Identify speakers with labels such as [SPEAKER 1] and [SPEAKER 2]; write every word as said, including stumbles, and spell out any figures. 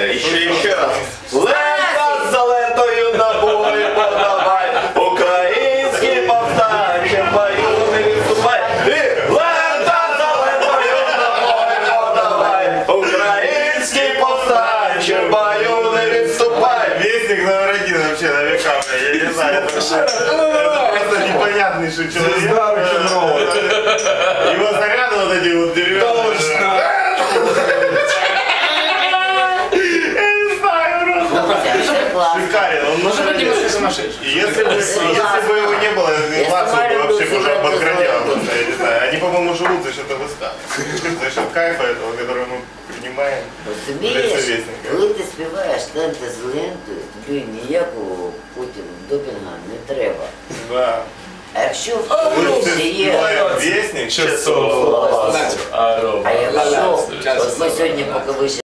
[SPEAKER 1] Еще, еще раз. Лента за лентою набої подавай, українські повстанчі бою не відступай. І лента за лентою набої подавай, українські повстанчі бою не відступай.
[SPEAKER 2] Вестник номер один вообще на века, я не знаю. Это непонятный человек. Его заряды вот эти вот деревянные. Шикарен, он
[SPEAKER 3] Может быть, немножко сумасшедший.
[SPEAKER 2] Если бы, если бы его не было, Лацо бы вообще уже обосградил. Я не знаю. Они, по-моему, живут за счет ВСК. За счет кайфа этого, который мы принимаем.
[SPEAKER 4] Розумієш, коли ти співаєш танти з лентою, тобі ніякого потім допінга не треба.
[SPEAKER 2] Да.
[SPEAKER 4] А якщо в
[SPEAKER 2] Мы
[SPEAKER 4] курсі є...
[SPEAKER 2] Вестник,
[SPEAKER 1] Часов.
[SPEAKER 4] А якщо... От ми сьогодні, поки ви ще